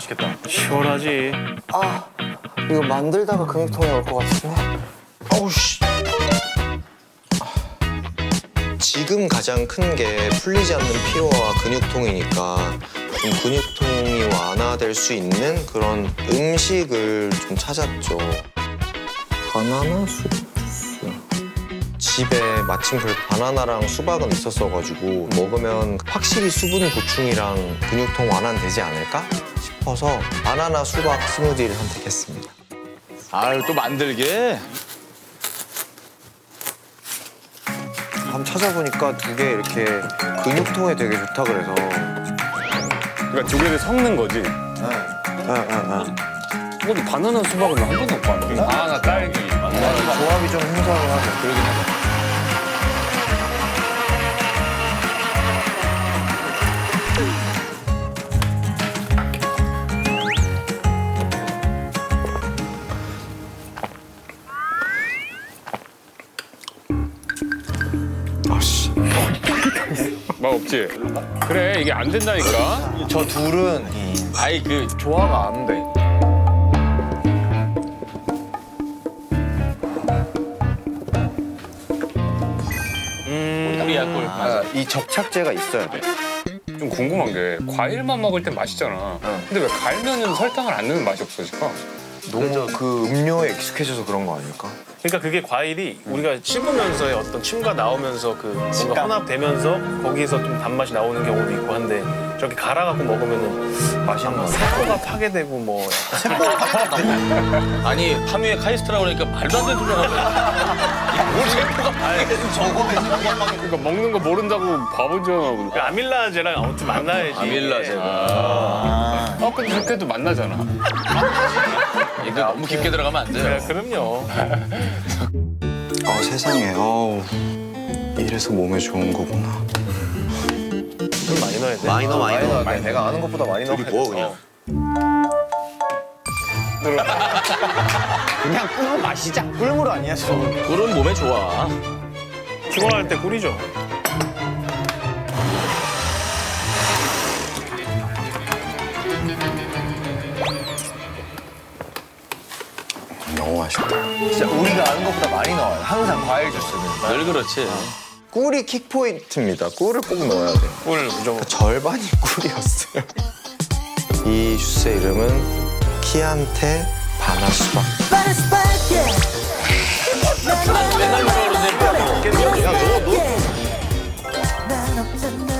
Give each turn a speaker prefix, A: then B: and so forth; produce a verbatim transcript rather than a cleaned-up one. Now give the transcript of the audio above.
A: 맛있겠다. 시원하지.
B: 아, 이거 만들다가 근육통이 올 것 같은데. 어우 씨.
C: 지금 가장 큰 게 풀리지 않는 피로와 근육통이니까 좀 근육통이 완화될 수 있는 그런 음식을 좀 찾았죠. 바나나 수박 주스. 집에 마침 그 바나나랑 수박은 있었어가지고 먹으면 확실히 수분 보충이랑 근육통 완화는 되지 않을까 싶어서 바나나 수박 스무디를 선택했습니다.
D: 아유, 또 만들게.
C: 한번 찾아보니까 두 개 이렇게 근육통에 되게 좋다 그래서.
A: 그러니까 두 개를 섞는 거지.
C: 응응응.
A: 근데 바나나 수박은 한 번도 못 봤는데. 바나나 딸기.
C: 조합이 좀 생소하긴 하죠.
A: 그러긴 하다.
C: 아씨.
A: 맛 없지? 그래, 이게 안 된다니까.
B: 저 둘은
D: 아이, 그,
B: 조화가 안 돼.
D: 꿀이야, 꿀. 맞아.
C: 이 접착제가 있어야 돼.
A: 좀 궁금한 게 과일만 먹을 땐 맛있잖아. 근데 왜 갈면은 설탕을 안 넣으면 맛이 없어질까?
C: 너무 그 음료에 익숙해져서 그런 거 아닐까?
E: 그러니까 그게 과일이 우리가 씹으면서의 어떤 침과 나오면서 그 뭔가 혼합되면서 거기서 좀 단맛이 나오는 경우도 있고 한데 저렇게 갈아갖고 먹으면은
C: 맛있는 거.
E: 세포가 파괴되고 뭐
D: 아니, 파뮤에 카이스트라고 그러니까 말도 안 되는 소리가 나고. 뭘 세포가 파괴돼서 저거
A: 그러니까 먹는 거 모른다고 바보잖아.
E: 그 아밀라제랑 아무튼 만나야지.
D: 아밀라제가.
A: 아, 근데 그렇게도 만나잖아.
D: 이거 너무 깊게 들어가면 안
E: 네,
D: 돼요.
E: 그럼요.
C: 아 세상에. 어우. 이래서 몸에 좋은 거구나.
E: 좀 많이 넣어야 돼.
C: 많이 넣어 많이 넣어.
B: 아니, 내가 아는 것보다 많이 넣어.
C: 뭐 그냥.
B: 그냥 꿀 마시자. 꿀물 아니야, 저거.
D: 꿀은 몸에 좋아.
E: 피곤할 때 꿀이죠.
C: 너무 맛있다.
B: 진짜 우리가 아는 것보다 많이 넣어요. 항상 과일 주스는.
D: 늘 그렇지.
C: 꿀이 킥 포인트입니다. 꿀을 꼭 넣어야 돼.
E: 꿀 무조건.
C: 그 절반이 꿀이었어요. 이 주스의 이름은 키안테 바나수박.
D: 맨날 뭐라 그러는데.
C: 야, 너, 너.